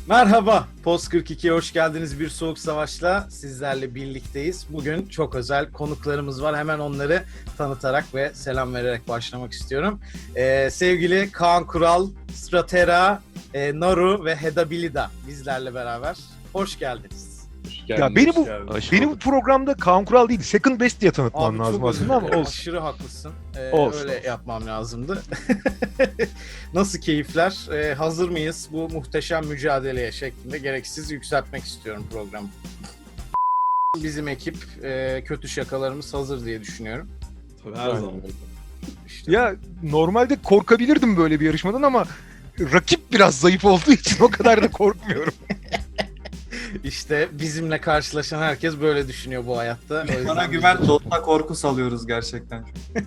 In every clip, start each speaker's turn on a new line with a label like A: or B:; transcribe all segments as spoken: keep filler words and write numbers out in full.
A: Merhaba, Post kırk iki'ye hoş geldiniz. Bir Soğuk Savaş'la sizlerle birlikteyiz. Bugün çok özel konuklarımız var. Hemen onları tanıtarak ve selam vererek başlamak istiyorum. Ee, sevgili Kaan Kural, Stratera, e, Naru ve Hedabilida bizlerle beraber. Hoş geldiniz.
B: Ya beni bu beni bu programda Kaan Kural değil, Second Best diye tanıtman
A: Abi
B: lazım
A: çok özür
B: aslında ama
A: dilerim.
B: olsun.
A: Aşırı haklısın. Ee,
B: Olsun,
A: öyle
B: olsun.
A: yapmam lazımdı. Nasıl keyifler? Ee, hazır mıyız bu muhteşem mücadeleye şeklinde gereksiz yükseltmek istiyorum programı. Bizim ekip e, kötü şakalarımız hazır diye düşünüyorum.
C: Tabii her zaman.
A: İşte
B: Ya normalde korkabilirdim böyle bir yarışmadan ama rakip biraz zayıf olduğu için o kadar da korkmuyorum.
A: İşte bizimle karşılaşan herkes böyle düşünüyor bu hayatta. O yüzden
C: Bana
A: biz
C: güven,
A: de-
C: Dot'ta korku salıyoruz gerçekten.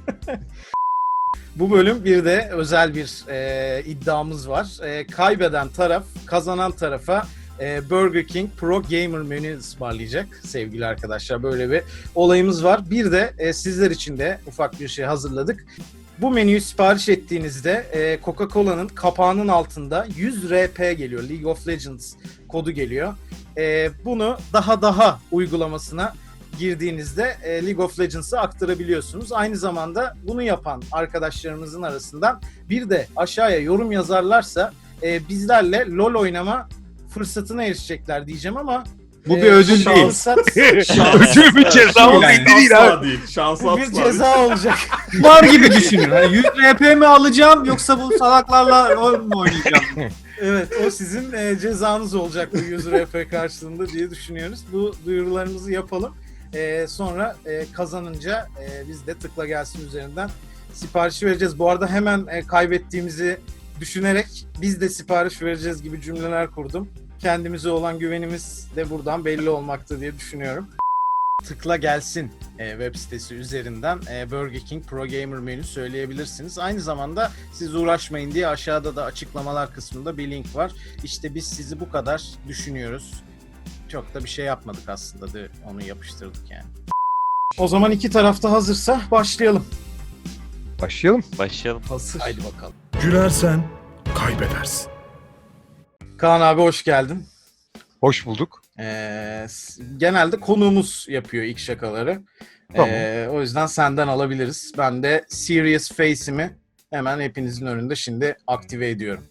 A: Bu bölüm bir de özel bir e, iddiamız var. E, kaybeden taraf kazanan tarafa e, Burger King Pro Gamer menü ısmarlayacak sevgili arkadaşlar. Böyle bir olayımız var. Bir de e, sizler için de ufak bir şey hazırladık. Bu menüyü sipariş ettiğinizde e, Coca-Cola'nın kapağının altında yüz R P geliyor. League of Legends kodu geliyor. E, bunu daha daha uygulamasına girdiğinizde e, League of Legends'ı aktarabiliyorsunuz. Aynı zamanda bunu yapan arkadaşlarımızın arasından bir de aşağıya yorum yazarlarsa e, bizlerle LoL oynama fırsatına erişecekler diyeceğim ama
C: Bu
A: e,
C: bir ödül
A: bu
C: değil.
A: fırsat-
B: Ödül mü ceza mı
C: Yani.
B: belli değil abi.
D: Asla değil. Şansı
A: bu
D: asla
A: bir
D: değil.
A: ceza olacak.
C: Var gibi düşünün. Hani yüz R P mi alacağım yoksa bu salaklarla rol mü oynayacağım?
A: Evet, o sizin e, cezanız olacak bu yüz R P karşılığında diye düşünüyoruz. Bu duyurularımızı yapalım. E, sonra e, kazanınca e, biz de tıkla gelsin üzerinden siparişi vereceğiz. Bu arada hemen e, kaybettiğimizi düşünerek biz de sipariş vereceğiz gibi cümleler kurdum. Kendimize olan güvenimiz de buradan belli olmakta diye düşünüyorum. Tıkla gelsin e, web sitesi üzerinden e, Burger King Pro Gamer menü söyleyebilirsiniz. Aynı zamanda siz uğraşmayın diye aşağıda da açıklamalar kısmında bir link var. İşte biz sizi bu kadar düşünüyoruz. Çok da bir şey yapmadık aslında da onu yapıştırdık yani. O zaman iki tarafta hazırsa başlayalım.
B: Başlayalım.
E: Başlayalım.
D: Hasır.
A: Haydi bakalım.
F: Gülersen kaybedersin.
A: Kaan abi hoş geldin.
B: Hoş bulduk.
A: Ee, s- genelde konuğumuz yapıyor ilk şakaları.
B: Tamam.
A: Ee, o yüzden senden alabiliriz. Ben de Serious Face'imi hemen hepinizin önünde şimdi aktive ediyorum.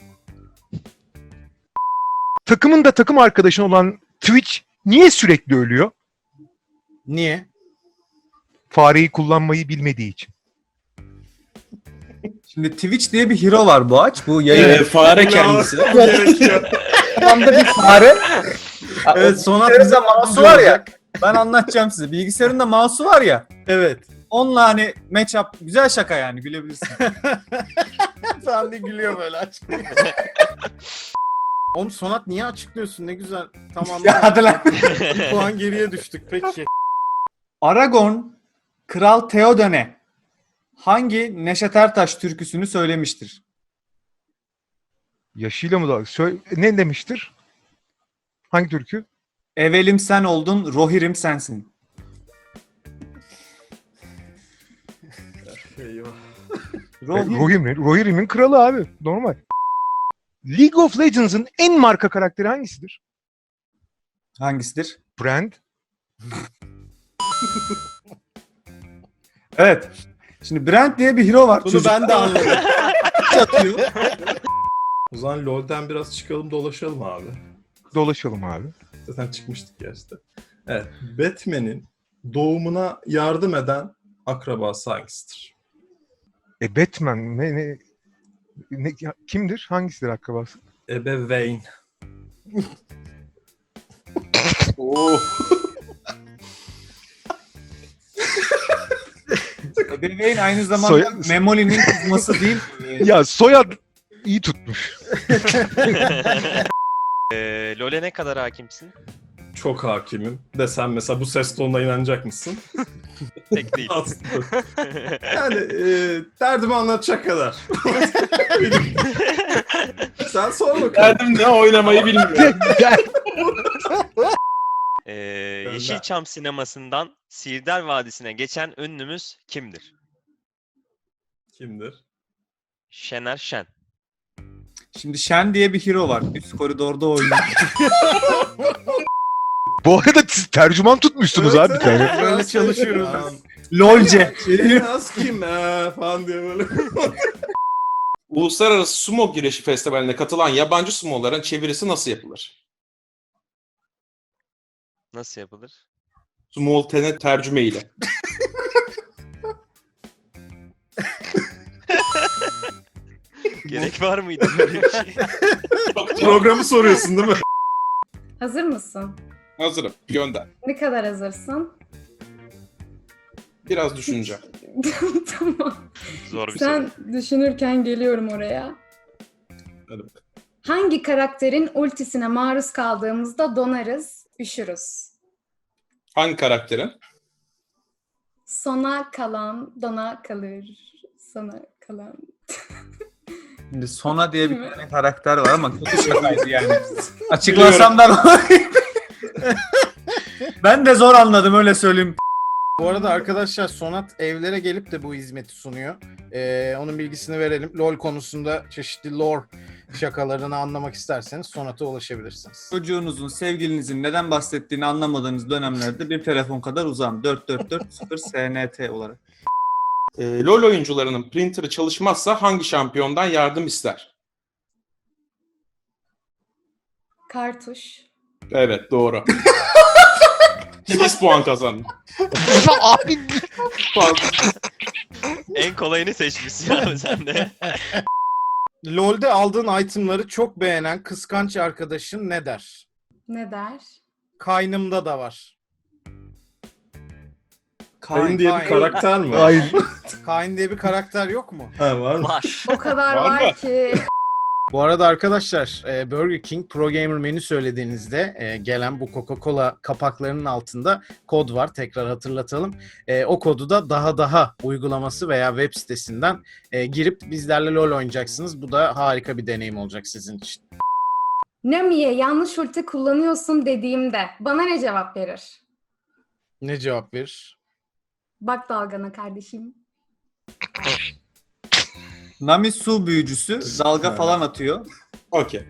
B: Takımın da takım arkadaşın olan Twitch niye sürekli ölüyor?
A: Niye?
B: Fareyi kullanmayı bilmediği için.
C: Şimdi Twitch diye bir hero var bu aç. Bu yayın.
D: Evet, fare kendisi. Gerekiyor.
C: Anda bir fare.
A: Evet, Sonat
C: Bilgisayarında
A: bize
C: mouse'u var ya. Ben anlatacağım size. Bilgisayarında mouse'u var ya.
A: Evet.
C: Onunla hani match up. Güzel şaka yani gülebilirsin.
A: Sen de gülüyor böyle açıklıyor. Oğlum Sonat niye açıklıyorsun? Ne güzel. Tamam.
C: Ya hadi lan.
A: Bir puan geriye düştük peki.
C: Aragorn Kral Theoden'e hangi Neşet Ertaş türküsünü söylemiştir?
B: Yaşıyla mı da? Sö- ne demiştir? Hangi türkü?
C: Evelim sen oldun, Rohirrim sensin.
D: Eyvah.
C: Rohirrim.
B: Rohirrim. Rohirrim'in kralı abi. Normal. League of Legends'ın en marka karakteri hangisidir?
C: Hangisidir?
B: Brand.
C: Evet. Şimdi Brent diye bir hero var.
A: Bunu
C: Çocuk
A: ben de anladım.
C: atıyor.
D: O zaman LoL'den biraz çıkalım dolaşalım abi.
B: Dolaşalım abi.
D: Zaten çıkmıştık ya işte. Evet. Batman'in doğumuna yardım eden akrabası hangisidir?
B: E Batman ne, ne, ne ya, kimdir? Hangisidir akrabası?
D: Ebeveyn.
C: Ebeveyn aynı zamanda
B: Soy-
C: Memoli'nin kızması değil.
B: Ya soyad iyi tutmuş.
E: Ee, LoL'e ne kadar hakimsin?
D: Çok hakimim. Desem mesela bu ses tonuna inanacak mısın?
E: Pek değil.
D: Aslında. Yani e, derdimi anlatacak kadar. Sen sor bakalım.
C: Derdim ne oynamayı bilmiyor.
E: Ee, Yeşilçam sinemasından Sirdar Vadisi'ne geçen ünlümüz kimdir?
D: Kimdir?
E: Şener Şen.
C: Şimdi Shen diye bir hero var. Üst koridorda oynuyor.
B: Bu arada siz tercüman tutmuşsunuz
D: Evet,
B: abi bir
D: evet.
B: tane.
A: Böyle çalışıyoruz
D: Tamam.
C: LOLce.
D: Şeyini az kim eee falan diye böyle.
G: Uluslararası Sumo Güreşi Festivali'ne katılan yabancı sumoların çevirisi nasıl yapılır?
E: Nasıl yapılır?
G: Sumo'ltene tercüme ile.
E: Gerek var mıydı böyle bir şey?
D: Programı soruyorsun değil mi?
H: Hazır mısın?
G: Hazırım. Gönder.
H: Ne kadar hazırsın?
G: Biraz düşüneceğim.
H: Tamam.
E: Zor bir soru.
H: Sen düşünürken geliyorum oraya.
G: Hadi bakalım.
H: Hangi karakterin ultisine maruz kaldığımızda donarız, üşürüz?
G: Hangi karakterin?
H: Sona kalan dona kalır. Sona kalan.
C: Şimdi Sona diye bir tane karakter var ama kötü şakaydı yani. Açıklasam da ben de zor anladım öyle söyleyeyim.
A: Bu arada arkadaşlar Sonat evlere gelip de bu hizmeti sunuyor. Ee, onun bilgisini verelim. LoL konusunda çeşitli lore şakalarını anlamak isterseniz Sonat'a ulaşabilirsiniz.
C: Çocuğunuzun, sevgilinizin neden bahsettiğini anlamadığınız dönemlerde bir telefon kadar uzağım. dört dört dört sıfır S N T olarak.
G: Ee, LoL oyuncularının printer'ı çalışmazsa hangi şampiyondan yardım ister?
H: Kartuş.
G: Evet, doğru. sekiz puan kazandı.
B: Abi
E: En kolayını seçmişsin abi sen de.
A: LoL'de aldığın itemları çok beğenen kıskanç arkadaşın ne der?
H: Ne der?
A: Kaynımda da var.
D: Kain diye bir
A: Kain.
D: karakter mi? var?
B: Hayır.
A: Kayn diye bir karakter yok mu?
D: Ha, var mı?
E: Var.
H: O kadar
G: Var
H: var
G: mı?
H: ki.
A: Bu arada arkadaşlar e, Burger King Pro Gamer menü söylediğinizde e, gelen bu Coca-Cola kapaklarının altında kod var. Tekrar hatırlatalım. E, o kodu da daha daha uygulaması veya web sitesinden e, girip bizlerle LoL oynayacaksınız. Bu da harika bir deneyim olacak sizin için.
H: Nami'ye yanlış ulti kullanıyorsun dediğimde bana ne cevap verir?
A: Ne cevap verir?
H: Bak dalgana kardeşim.
C: Nami su büyücüsü dalga
D: Ha.
C: falan atıyor.
G: Okey.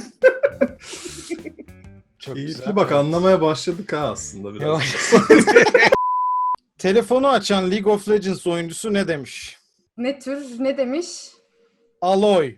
A: Çok
D: İyi bak anlamaya başladık ha aslında biraz.
A: Yavaş. Telefonu açan League of Legends oyuncusu ne demiş?
H: Ne tür, ne demiş?
A: Aloy.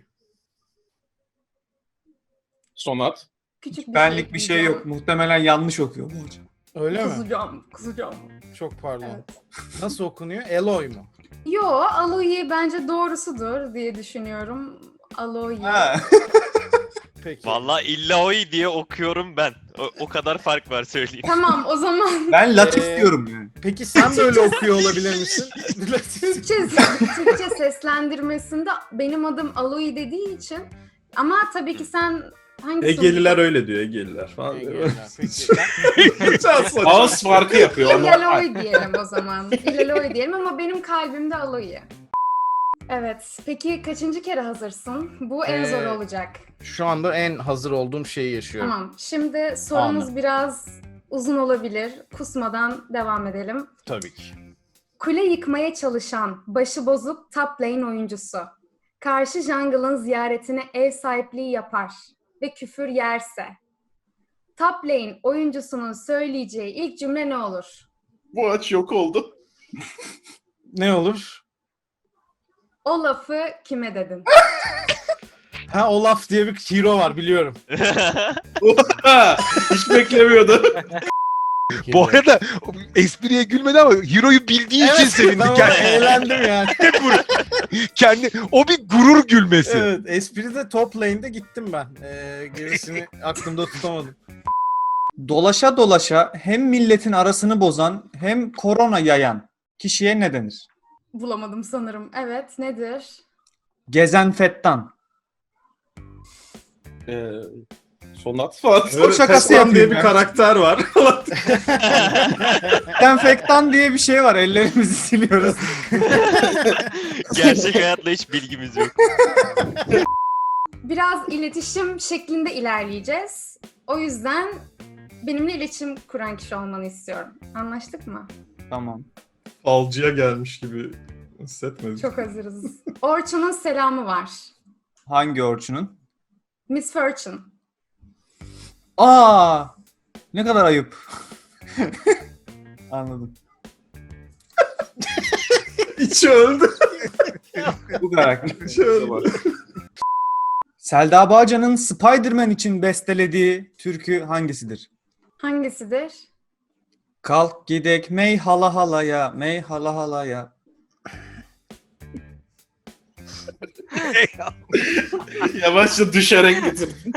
G: Sonat.
H: Küçük bir
C: Benlik bir şey
H: ekleyeceğim.
C: yok. Muhtemelen yanlış okuyor bu hocam.
A: Öyle mi?
H: Kızacağım, kızacağım.
A: Çok pardon.
H: Evet.
A: Nasıl okunuyor? Eloy mu?
H: Yo, Aloy bence doğrusudur diye düşünüyorum. Aloy.
C: Ha.
A: Peki.
E: Vallahi illa oy diye okuyorum ben. O, o kadar fark var söyleyeyim.
H: Tamam, o zaman
C: Ben Latif
A: Ee,
C: diyorum yani.
A: Peki sen böyle okuyor olabilir misin?
H: Türkçe, Türkçe seslendirmesinde benim adım Aloy dediği için ama tabii ki sen hangisi?
D: Egeliler öyle diyor Egeliler falan. diyor.
A: Peki.
D: Çok saçma.
G: Ağız farkı yapıyor. Ama
H: İlaloy diyelim o zaman. İlaloy diyelim ama benim kalbimde Aloy. Evet. Peki kaçıncı kere hazırsın? Bu en
A: Ee,
H: zor olacak.
A: Şu anda en hazır olduğum şeyi yaşıyorum.
H: Tamam. Şimdi sorumuz
A: Anladım.
H: biraz uzun olabilir. Kusmadan devam edelim.
A: Tabii ki.
H: Kule yıkmaya çalışan, başı bozuk top lane oyuncusu. Karşı jungle'ın ziyaretine ev sahipliği yapar ve küfür yerse. Top lane oyuncusunun söyleyeceği ilk cümle ne olur?
G: bu aç yok oldu.
A: Ne olur?
H: O lafı kime dedin?
A: Ha Olaf diye bir hero var biliyorum.
G: Hiç beklemiyordu.
B: Bu arada espriye gülmedi ama Hero'yu bildiği için sevindi.
A: tamam,
B: Kendi,
A: eğlendim yani.
B: kendi, o bir gurur gülmesi.
A: Evet, espride top lane'de gittim ben. Ee, gerisini aklımda tutamadım.
C: Dolaşa dolaşa hem milletin arasını bozan hem korona yayan kişiye ne denir?
H: Bulamadım sanırım. Evet, nedir?
C: Gezenfettan.
G: Ee, Sonat falan.
D: Böyle
C: şakası
D: Teslan diye
C: yapayım
D: bir
C: ya.
D: karakter var.
C: Dezenfektan diye bir şey var. Ellerimizi siliyoruz.
E: Gerçek hayatla hiç bilgimiz yok.
H: Biraz iletişim şeklinde ilerleyeceğiz. O yüzden benimle iletişim kuran kişi olmanı istiyorum. Anlaştık mı?
C: Tamam.
D: Falcıya gelmiş gibi hissetmedim.
H: Çok hazırız. Orçun'un selamı var.
C: Hangi Orçun'un?
H: Miss Fortune.
C: Aa! Ne kadar ayıp. Anladım.
D: İçi öldü.
C: Bu karakter.
D: İçi öldü.
C: Selda Bağcan'ın Spider-Man için bestelediği türkü hangisidir?
H: Hangisidir?
C: Kalk gidek mey hala halaya, mey hala halaya.
G: Yavaşça düşerek bitirdin.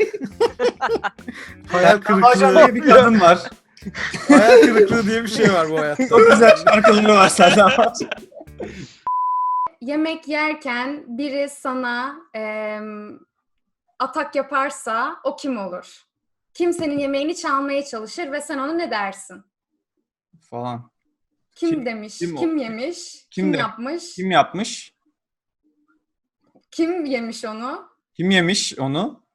A: Hayal
C: Bağcan
A: kırıklığı,
C: diye bir kadın var.
A: hayal kırıklığı diye bir şey var bu hayatta.
C: Çok güzel şarkıları var Selda Bağcan.
H: Yemek yerken biri sana em, atak yaparsa o kim olur? Kim senin yemeğini çalmaya çalışır ve sen ona ne dersin?
C: Falan.
H: Kim,
C: Kim-
H: demiş,
C: kim
H: kim,
C: o?
H: yemiş,
C: Kim
H: kim,
C: de-
H: yapmış,
C: Kim yapmış?
H: kim yemiş onu?
C: Kim yemiş onu?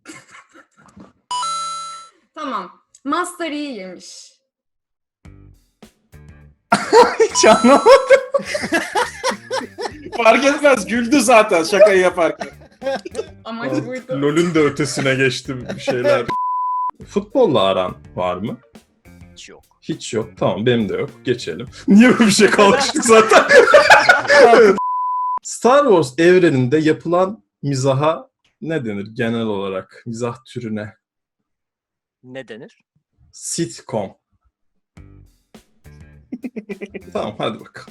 H: Tamam. Master Yi yemiş.
C: Hiç anlamadım.
G: Fark etmez, güldü zaten şakayı yaparken.
H: Amaç buydu.
D: LoL'ün de ötesine geçti bir şeyler. Futbolla aran var mı?
E: Hiç yok.
D: Hiç yok. Tamam, benim de yok. Geçelim. Niye böyle bir şey kalmıştık zaten? Star Wars evreninde yapılan mizaha ne denir genel olarak? Mizah türüne.
E: Ne denir?
D: Sitcom. Tamam, hadi bakalım.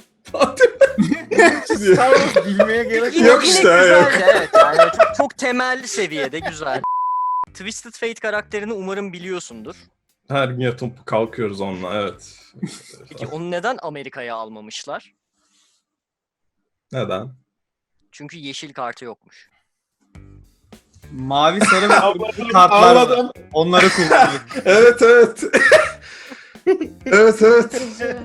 A: Star Wars bilmeye gerek
D: Yok
A: yok.
D: işte,
I: güzeldi,
D: yok.
I: evet yani çok, çok temel seviyede güzel. Twisted Fate karakterini umarım biliyorsundur.
D: Her gün yatıp kalkıyoruz onunla, evet.
I: Peki onu neden Amerika'ya almamışlar?
D: Neden?
I: Çünkü yeşil kartı yokmuş.
C: Mavi, sarı ve kırmızı kartlar var.
D: Anladım.
C: Onları kullanıyor.
D: Evet, evet. evet, evet.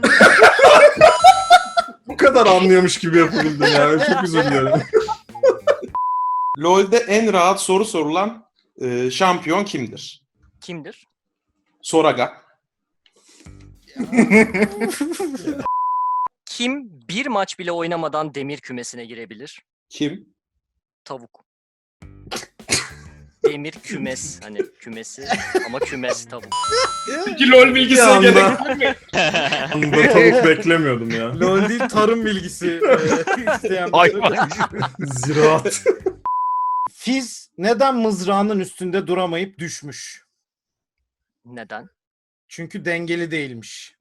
D: Bu kadar anlıyormuş gibi yapabildim yani. Çok özür dilerim.
G: LoL'de en rahat soru sorulan e, şampiyon kimdir?
I: Kimdir?
G: Soraga.
I: Kim bir maç bile oynamadan demir kümesine girebilir?
G: Kim?
I: Tavuk. Demir kümes. Hani kümesi ama kümes tavuk.
G: Peki LoL
D: Bir
G: bilgisine
D: anda,
G: gerek
D: anda tavuk beklemiyordum ya.
A: LoL değil, tarım bilgisi e, isteyen bir
B: Hayvan.
D: Ziraat.
A: Fiz neden mızrağının üstünde duramayıp düşmüş?
I: Neden?
A: Çünkü dengeli değilmiş.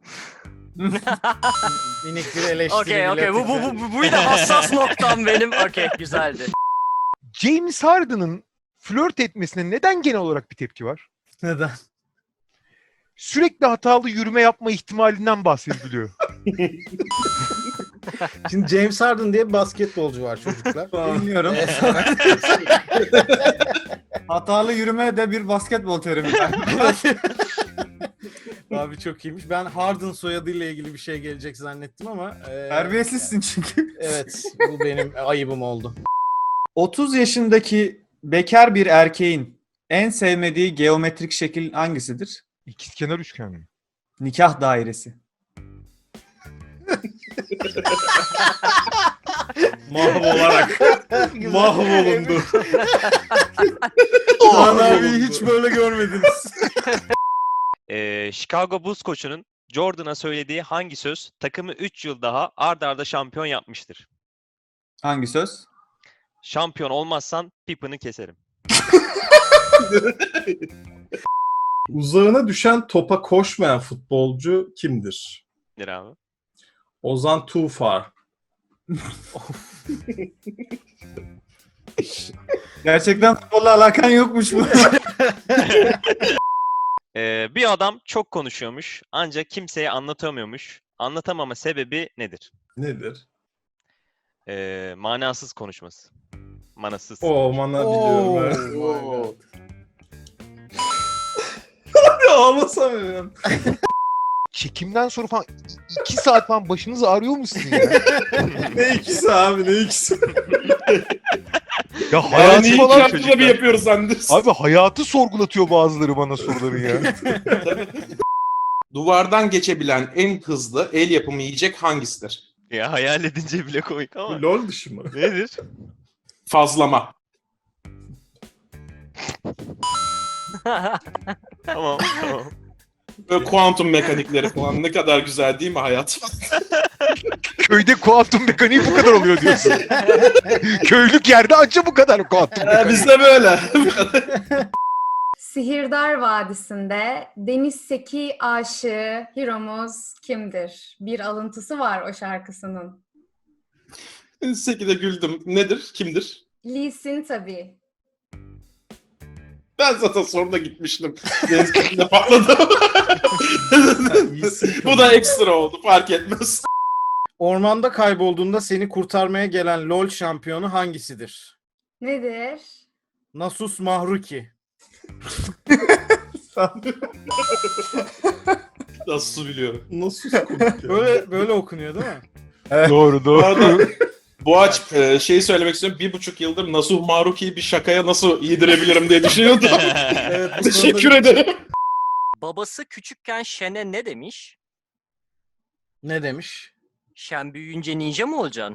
A: Minik bir eleştiri.
I: Okey okey bu, bu,
A: iletirken.
I: bu, bu, buydu hassas noktam benim. Okey güzeldi.
B: James Harden'ın flört etmesine neden genel olarak bir tepki var?
A: Neden?
B: Sürekli hatalı yürüme yapma ihtimalinden bahsediliyor.
A: Şimdi James Harden diye bir basketbolcu var çocuklar.
C: Bilmiyorum. Hatalı yürüme de bir basketbol terimi.
A: Abi çok iyiymiş. Ben Harden soyadıyla ilgili bir şey gelecek zannettim ama. E,
C: Terbiyesizsin çünkü.
A: Evet, bu benim ayıbım oldu.
C: otuz yaşındaki bekar bir erkeğin en sevmediği geometrik şekil hangisidir?
B: İkizkenar üçgen mi?
C: Nikah dairesi.
D: Mahvolarak. Mahvolundu.
A: Kaan abiyi hiç böyle görmediniz.
E: Ee, Chicago Bulls koçunun Jordan'a söylediği hangi söz takımı üç yıl daha ard arda şampiyon yapmıştır?
C: Hangi söz?
E: Şampiyon olmazsan Pippen'ı keserim.
D: Uzağına düşen topa koşmayan futbolcu kimdir?
E: Nedir abi?
D: Ozan Tufar.
C: Gerçekten futbolla alakan yokmuş bu.
E: Ee, bir adam çok konuşuyormuş ancak kimseye anlatamıyormuş. Anlatamama sebebi nedir?
D: Nedir?
E: Ee, manasız konuşması. Manasız.
D: O bana biliyorum. Evet.
A: Oo.
D: Ya ağlasamıyorum.
B: Çekimden sonra falan i- iki saat falan başınız ağrıyor mu sizin ya?
D: Ne ikisi abi, ne ikisi?
B: Ya
G: Yani
B: hayatı
G: ilk
B: falan
G: haftada bir yapıyoruz zannediyorsun.
B: Abi hayatı sorgulatıyor bazıları bana soruların ya.
G: Duvardan geçebilen en hızlı el yapımı yiyecek hangisidir?
E: Ya hayal edince bile komik ama.
D: LOL dışı mı?
E: Nedir?
G: Fazlama.
E: Tamam, tamam.
G: Böyle kuantum mekanikleri falan ne kadar güzel değil mi hayat?
B: Köyde kuantum mekaniği bu kadar oluyor diyorsun. Köylük yerde anca bu kadar kuantum
G: Ee,
B: mekaniği.
G: bizde böyle.
H: Sihirdar Vadisi'nde Deniz Seki aşığı Hiromuz kimdir? Bir alıntısı var o şarkısının.
G: Sekide güldüm. Nedir? Kimdir?
H: Lee Sin tabii.
G: Ben zaten soruna gitmiştim. Deniz kenarında patladı. Bu da ekstra oldu. Fark etmez.
A: Ormanda kaybolduğunda seni kurtarmaya gelen LoL şampiyonu hangisidir?
H: Nedir?
A: Nasus Mahruki.
G: Nasıl biliyorum.
D: Nasıl komik ya?
A: Böyle böyle okunuyor değil mi?
B: Doğru
G: Bu
B: doğru.
G: arada Boğaç e, şeyi söylemek istiyorum. Bir buçuk yıldır Nasuh Maruki'yi bir şakaya nasıl yedirebilirim diye düşünüyordum.
A: Evet, bu
G: Teşekkür
A: konuda-
G: ederim.
I: Babası küçükken Shen'e ne demiş?
A: Ne demiş?
I: Shen büyüyünce ninja mı olacaksın?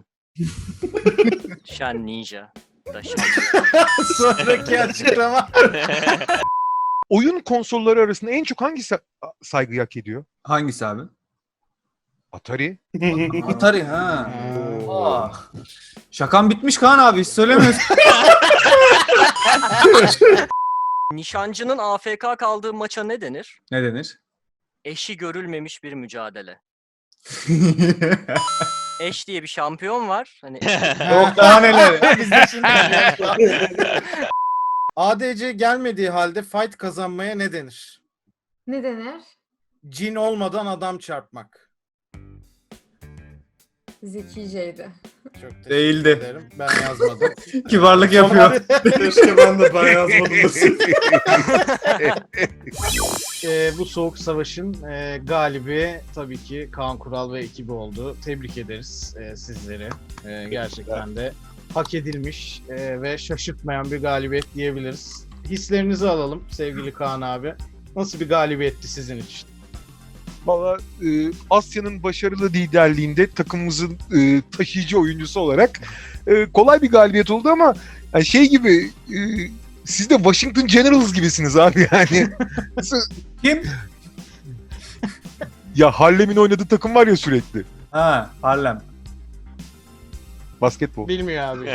I: Shen ninja. Da Shen.
A: Sonraki açıklama.
B: Oyun konsolları arasında en çok hangisi saygı hak ediyor?
C: Hangisi abi?
B: Atari.
C: Atari ha. Aa. Şakan bitmiş Kaan abi, hiç söylemiyorsun.
I: Nişancının A F K kaldığı maça ne denir?
C: Ne denir?
I: Eşi görülmemiş bir mücadele. Eş diye bir şampiyon var. Hani
C: Yok daha neler.
A: Biz de şimdi A D C gelmediği halde fight kazanmaya ne denir?
H: Ne denir?
A: Cin olmadan adam çarpmak.
H: Zekiceydi.
A: Çok teşekkür
C: Değildi.
A: ederim. Ben yazmadım.
C: Kibarlık yapıyor.
D: Keşke ben de ben yazmadım desin.
A: Ee, bu soğuk savaşın e, galibi tabii ki Kaan Kural ve ekibi oldu. Tebrik ederiz e, sizleri. E, gerçekten de hak edilmiş e, ve şaşırtmayan bir galibiyet diyebiliriz. Hislerinizi alalım sevgili Kaan abi. Nasıl bir galibiyetti sizin için?
B: Valla e, Asya'nın başarılı liderliğinde takımımızın e, taşıyıcı oyuncusu olarak e, kolay bir galibiyet oldu ama yani şey gibi e, siz de Washington Generals gibisiniz abi yani. Nasıl-
C: Kim?
B: Ya Harlem'in oynadığı takım var ya sürekli.
C: Ha, Harlem.
B: Basketbol.
A: Bilmiyor abi.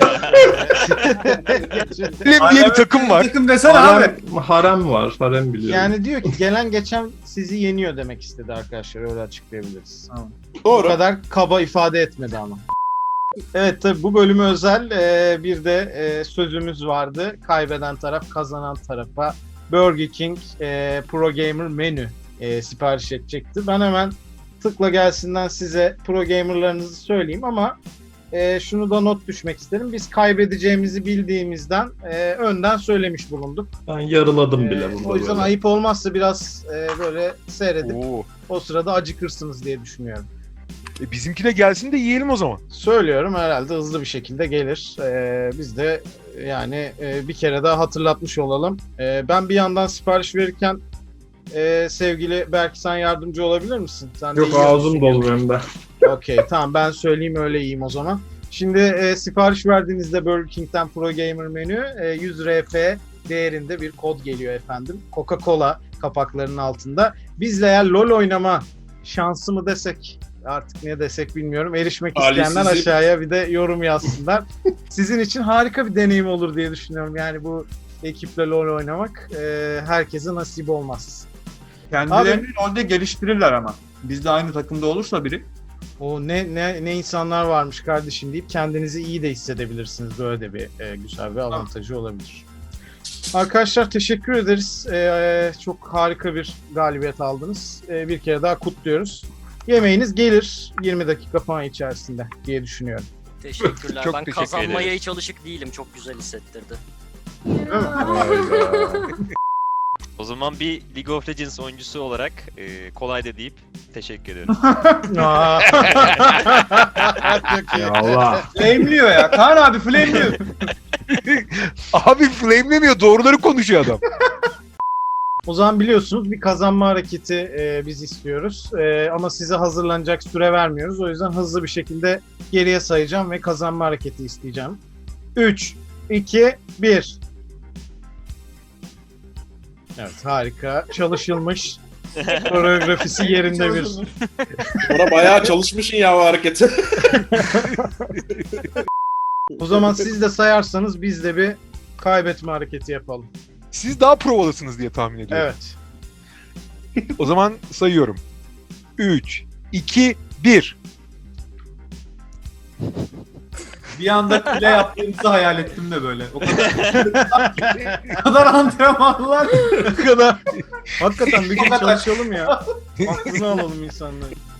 B: Harlem diye bir takım var.
C: Takım desene abi.
D: Harem, harem var. Harem biliyorum.
A: Yani diyor ki gelen geçen sizi yeniyor demek istedi arkadaşlar. Öyle açıklayabiliriz. Bu
G: Doğru.
A: kadar kaba ifade etmedi ama. Evet tabii bu bölüme özel e, bir de e, sözümüz vardı. Kaybeden taraf kazanan tarafa Burger King e, Pro Gamer menü e, sipariş edecekti. Ben hemen tıkla gelsinden size Pro Gamer'larınızı söyleyeyim ama e, şunu da not düşmek isterim. Biz kaybedeceğimizi bildiğimizden e, önden söylemiş bulunduk.
D: Ben yarıladım
A: E,
D: bile burada.
A: o yüzden
D: böyle.
A: ayıp olmazsa biraz e, böyle seyredip
B: Oo.
A: o sırada acıkırsınız diye düşünüyorum.
B: E, bizimki de gelsin de yiyelim o zaman.
A: Söylüyorum herhalde hızlı bir şekilde gelir. Ee, biz de yani e, bir kere daha hatırlatmış olalım. Ee, ben bir yandan sipariş verirken e, sevgili Berk sen yardımcı olabilir misin? Sen de
D: Yok
A: yiyor
D: ağzım
A: musun?
D: dolu benim de.
A: Okey tamam ben söyleyeyim öyle yiyeyim o zaman. Şimdi e, sipariş verdiğinizde Burger King'den Pro Gamer menü e, yüz R F değerinde bir kod geliyor efendim. Coca-Cola kapaklarının altında. Bizle eğer LoL oynama şansı mı desek artık ne desek bilmiyorum. Erişmek isteyenler
G: Talihsizi-
A: aşağıya bir de yorum yazsınlar. Sizin için harika bir deneyim olur diye düşünüyorum. Yani bu ekiple LoL oynamak e, herkese nasip olmaz.
C: Kendilerini rolde geliştirirler ama. Biz de aynı takımda olursa biri.
A: O ne ne ne insanlar varmış kardeşim deyip kendinizi iyi de hissedebilirsiniz. Böyle de bir e, güzel bir avantajı olabilir. Arkadaşlar teşekkür ederiz. E, çok harika bir galibiyet aldınız. E, bir kere daha kutluyoruz. Yemeğiniz gelir yirmi dakika falan içerisinde diye düşünüyorum.
I: teşekkürler.
B: Çok
I: Ben
B: teşekkür
I: kazanmaya
E: ederiz.
I: hiç alışık değilim. Çok güzel hissettirdi.
E: O zaman bir League of Legends oyuncusu olarak e, kolay da deyip teşekkür ederim.
A: Çok iyi.
D: Ya Allah.
C: Flame'liyor ya. Kaan abi flame'liyor.
B: Abi flamelemiyor, doğruları konuşuyor adam.
A: O zaman biliyorsunuz bir kazanma hareketi e, biz istiyoruz. E, ama size hazırlanacak süre vermiyoruz. O yüzden hızlı bir şekilde geriye sayacağım ve kazanma hareketi isteyeceğim. üç, iki, bir. Evet, harika. Çalışılmış. Koreografisi yerinde bir.
G: Bora bayağı çalışmışsın ya o hareketi.
A: O zaman siz de sayarsanız biz de bir kaybetme hareketi yapalım.
B: Siz daha provalısınız diye tahmin ediyorum.
A: Evet.
B: O zaman sayıyorum. üç, iki, bir.
C: Bir anda kule yaptığımızı hayal ettim de böyle. O kadar, o kadar antrenmanlar.
A: Ne kadar. Hakikaten bir gün çalışalım ya. Aklını alalım insanları.